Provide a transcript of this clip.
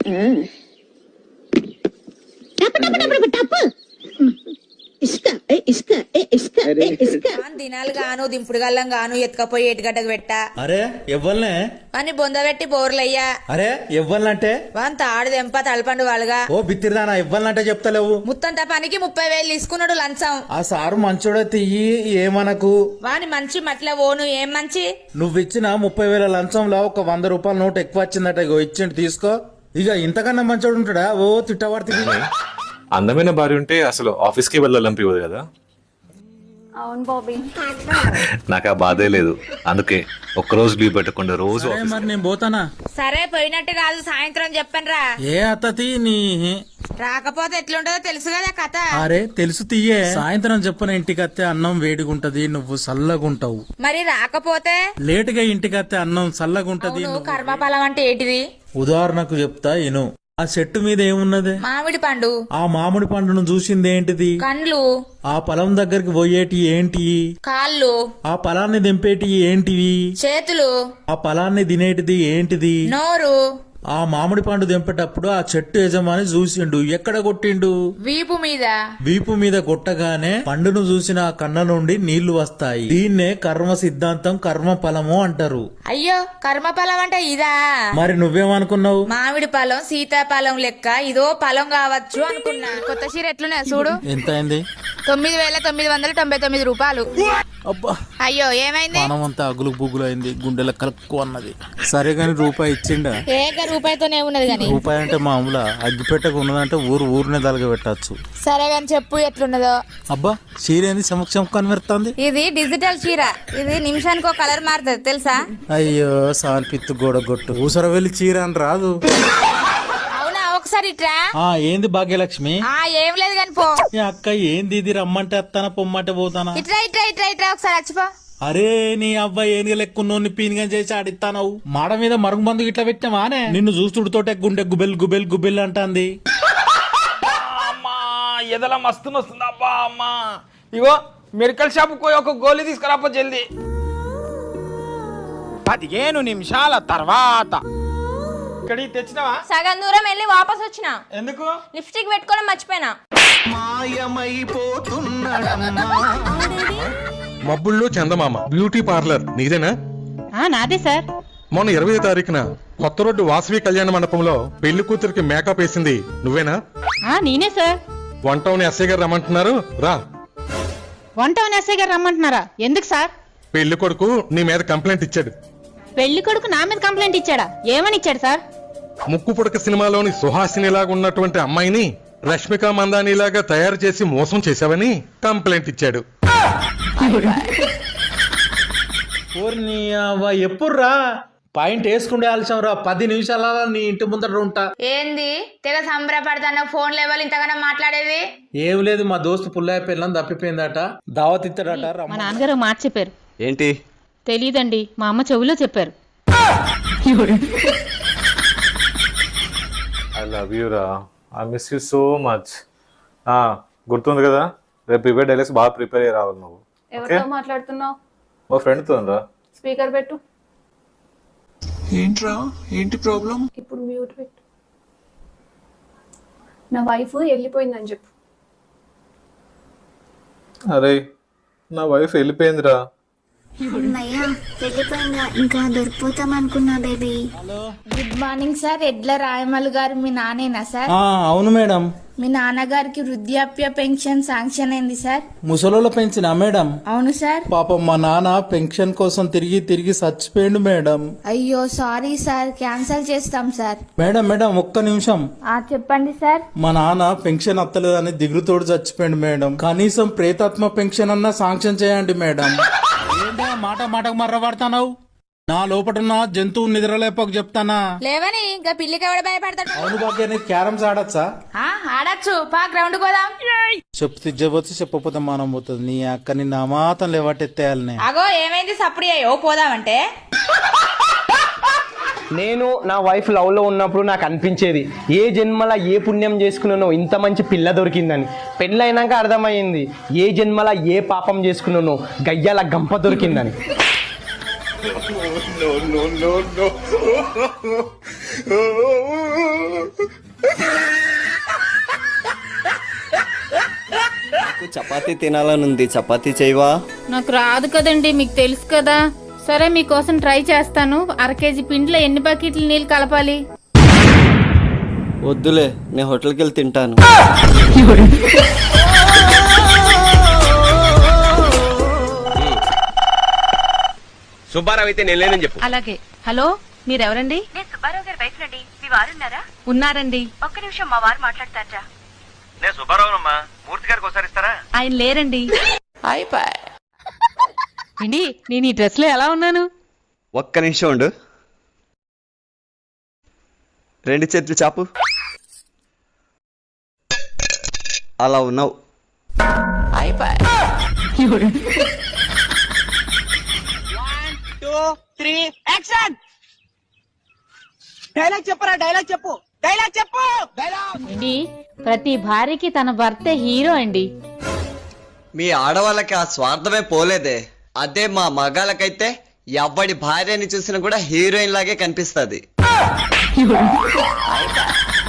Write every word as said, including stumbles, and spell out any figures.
దినాలు గాను దింపుడు గల్లం గాను ఎత్తుకపోయి ఏటుగడ్డకు పెట్టా. అరే ఎవ్వల్నే వాని బొంద పెట్టి బోర్లయ్యా. అరే ఎవ్వల్నంటే వాని తాడు దెంప తలపండు వాళ్ళగా. ఓ బిత్తిరిదానా ఎవ్వల్నంటే చెప్తలేవు. ముత్తంత పనికి ముప్పై వేలు తీసుకున్నాడు లంచం. ఆ సారు మంచోడే తియ్యి ఏమనకు. వాని మంచి మట్ల ఓను ఏం మంచి. నువ్విచ్చిన ముప్పై వేల లంచంలో ఒక వంద రూపాయల నోటు ఎక్కువ వచ్చిందట. ఇగో ఇచ్చిండు తీసుకో. ఇక ఇంతకన్నా మంచోడు ఉంటాడా? ఓ తిట్టబడుతుంది. అందమైన భార్య ఉంటే అసలు ఆఫీస్కి వెళ్ళాలనిపించదు కదా. అవును బాబీ, నాకు ఆ బాధే లేదు. అందుకే ఒక్కరోజు లీవ్ పెట్టకుండా రోజు మరి నేను పోతానా? సరే పోయినట్టు కాదు, సాయంత్రం చెప్పనురా. ఏ అత్తతి నీ రాకపోతే ఎట్లుంటదో తెలుసు కదా కథ. అరే తెలుసు తీయే. సాయంత్రం చెప్పన ఇంటికత్తే అన్నం వేడిగుంటది, నువ్వు చల్లగుంటావు. మరి రాకపోతే లేటుగా ఇంటికత్తే అన్నం చల్లగుంటది. కర్మఫలం అంటే ఏంటిది? ఉదాహరణకు చెప్తా ఇను. ఆ చెట్టు మీద ఏమున్నది? మామిడి పండు. ఆ మామిడి పండును చూసింది ఏంటిది? కండ్లు. ఆ పొలం దగ్గరికి పోయేటి ఏంటి? కాళ్ళు. ఆ పొలాన్ని దింపేటి ఏంటివి? చేతులు. ఆ పొలాన్ని తినేటిది ఏంటిది? నోరు. ఆ మామిడి పండు దింపేటప్పుడు ఆ చెట్టు యజమాని చూసిండు. ఎక్కడ కొట్టిండు? వీపు మీద. వీపు మీద కొట్టగానే పండును చూసిన ఆ కన్న నుండి నీళ్లు వస్తాయి. దీన్నే కర్మ సిద్ధాంతం, కర్మ ఫలము అంటారు. అయ్యో కర్మఫలం అంటే ఇదా? మరి నువ్వేమనుకున్నావు? మామిడి ఫలం సీతాఫలం లెక్క ఇదో ఫలం కావచ్చు అనుకున్నా. కొత్త చీర ఎట్లున్నాయి చూడు. ఎంత అయింది? తొమ్మిది వేల తొమ్మిది వందల తొంభై తొమ్మిది రూపాయలు. అబ్బా, అయ్యో ఏమైంది? మనమంతా అగులు బుగులు అయింది, గుండెల కలుక్కు అన్నది. సరే గాని రూపాయి ఇచ్చిండా? ఏక రూపాయితోనే ఉన్నది గాని. రూపాయి అంటే మామూలు అగ్గిపెట్టకు ఉన్నదంటే ఊరు ఊరినే దలగ పెట్టచ్చు. సరే గాని చెప్పు ఎట్లున్నదో. అబ్బా చీర ఏంది సమక్షం కనిపెడుతుంది? ఇది డిజిటల్ చీర. ఇది నిమిషానికి ఒక కలర్ మారుతుంది తెలుసా? అయ్యో సాన్పిత్తు గోడ గొట్టు ఊసర వెళ్ళి చీర అని రాదు. అవునా ఒకసారి ఇట్రా. ఆ ఏంది భాగ్యలక్ష్మి? ఆ ఏం లేదు గాని పో. అక్క ఏంది ఇది? రమ్మంటే వస్తానా పొమ్మంటే పోతానా? ఇట్రా ఇట్రా ఇట్రా ఇట్రా ఒకసారి వచ్చిపో. అరే నీ అబ్బాయి ఏనుగ లెక్కున్నోని పీనిగా చేసి ఆడిస్తానవు. మాడ మీద మరుగు మందు ఇట్లా పెట్టామానే? నిన్ను చూస్తుడుతోటే గుండె గుబెల్ గుబెల్ గుబెల్ అంటాంది. అమ్మా ఎదలా మస్తు వస్తుంది అబ్బా. అమ్మా ఇగో మెడికల్ షాప్ పోయి ఒక గోళీ తీసుకురాపో జల్దీ. పదిహేను నిమిషాల తర్వాత ఇక్కడికి తెచ్చినావా? సగం దూరం వెళ్ళి వాపస్ వచ్చిన. ఎందుకు? లిప్స్టిక్ పెట్టుకోవడం మర్చిపోయినా. మబ్బుల్లో చందమామ బ్యూటీ పార్లర్ నీదేనా? నాదే సార్. మొన్న ఇరవై తారీఖున కొత్త రోడ్డు వాసవి కళ్యాణ మండపంలో పెళ్లి కూతురికి మేకప్ వేసింది నువ్వేనా? నేనే సార్. వన్ టౌన్ ఎస్ఐ గారు రమ్మంటున్నారు రా. వన్ టౌన్ ఎస్ఐ గారు రమ్మంటున్నారా? ఎందుకు సార్? పెళ్లి కొడుకు నీ మీద కంప్లైంట్ ఇచ్చాడు. పెళ్లి కొడుకు నా మీద కంప్లైంట్ ఇచ్చాడా? ఏమని ఇచ్చాడు సార్? ముక్కు పుడక సినిమాలోని సుహాసినిలాగా ఉన్నటువంటి అమ్మాయిని రష్మిక మందానిలాగా తయారు చేసి మోసం చేశావని కంప్లైంట్ ఇచ్చాడు. ఎప్పుడు రా పాయింట్ వేసుకుంటే ఆలస్యం రా. పది నిమిషాల నీ ఇంటి ముందర ఉంటా. ఏంది తెగ సంబరపడతాను? ఫోన్ లెవెల్ ఇంతగానో మాట్లాడేది ఏం లేదు, మా దోస్తు పుల్లయ్య పిల్లని తప్పిపోయిందట, దావత్ ఇస్తాడట. మా నాన్నగారు మాట చెప్పారు. ఏంటి? తెలీదండి, మా అమ్మ చెవులో చెప్పారు. ఐ లవ్ యూ రా, I miss you so much. గుర్తుంది కదా, రేపు ప్రిపేర్ డైలాగ్స్ బాగా ప్రిపేర్ అయ్యి రావాలి నువ్వు. ఎవరితో మాట్లాడుతున్నావు? మా ఫ్రెండ్తో రా. స్పీకర్ పెట్టు. ఏంట్రా ఏంటి ప్రాబ్లం? ఇప్పుడు మ్యూట్ పెట్టు. నా వైఫ్ వెళ్ళిపోయిందని చెప్పు. అరే నా వైఫ్ వెళ్ళిపోయిందిరా. అమ్మయ్యా వెళ్ళిపోయిందా? ఇంకా దొరికిపోతాం అనుకున్నా బేబీ. Good morning sir. ఎడ్ల రాయమల్ గారు మీ నానేనా సార్? అవును మేడం. మీ నాన్నగారికి వృద్ధాప్య పెన్షన్ శాంక్షన్ అయింది సార్. ముసలోళ్ళ పెన్షన్ మేడం? అవును సార్. పాపం మా నాన్న పెన్షన్ కోసం తిరిగి తిరిగి చచ్చిపోయిండు మేడం. అయ్యో సారీ సార్, క్యాన్సిల్ చేస్తాం సార్. మేడం మేడం ఒక్క నిమిషం. చెప్పండి సార్. మా నాన్న పెన్షన్ అత్తలేదని దిగులుతోడు చచ్చిపోయిండు మేడం. కనీసం ప్రేతాత్మ పెన్షన్ అన్నా శాంక్షన్ చేయండి మేడం. ఏంటా మాట మాటకు మర్రపడతావు? నా లోపటున్న జంతువు నిద్రలేపకు చెప్తానా? లేవని ఇంకా పిల్లికి ఎవడ భయపడతాడు? అవును భాగ్య, నీకు క్యారమ్స్ ఆడచ్చా? ఆడచ్చు, పా గ్రౌండ్ పోదాం. చెప్పు తిజ్జపోతే చెప్పపోతే మానం పోతుంది. నీ అక్క నిన్న మాత్రం లేవట్టెత్తేయాలనే. అగో ఏమైంది సప్పుడు అయ్యో పోదామంటే? నేను నా వైఫ్ లవ్ లో ఉన్నప్పుడు నాకు అనిపించేది ఏ జన్మల ఏ పుణ్యం చేసుకున్నానో ఇంత మంచి పిల్ల దొరికిందని. పెళ్ళైనాక అర్థమైంది ఏ జన్మల ఏ పాపం చేసుకున్నానో గయ్యాల గంప దొరికిందని. చపాతీ తినాలనుంది, చపాతీ చేయవా? నాకు రాదు కదండి, మీకు తెలుసు కదా. సరే మీకోసం ట్రై చేస్తాను. అర కేజీ పిండిలో ఎన్ని బకెట్లు నీళ్ళు కలపాలి? వద్దులే, నేను హోటల్కి వెళ్ళి తింటాను. సుబ్బారావు అయితే నేను లేనని చెప్పు. అలాగే. హలో, మీరెవరండి? నేను సుబ్బారావు గారి వైఫ్ నండి. మీ వారున్నారా? ఉన్నారండి. ఒక్క నిమిషం, మా వారు మాట్లాడతారా? నేను సుబ్బారావునమ్మా, మూర్తి గారికి ఒకసారి ఇస్తారా? ఆయన లేరండి. ఏంటి, నేను ఈ డ్రెస్ లో ఎలా ఉన్నాను? ఒక్క నిమిషం ఉండు. రెండు చేతులు చాపు. అలా ఉన్నావు. ఏంటి, ప్రతి భార్యకి తన భర్త హీరో అండి. మీ ఆడవాళ్ళకి ఆ స్వార్థమే పోలేదే. అదే మా మగాళ్ళకైతే ఎవడి భార్యని చూసినా కూడా హీరోయిన్ లాగే కనిపిస్తుంది.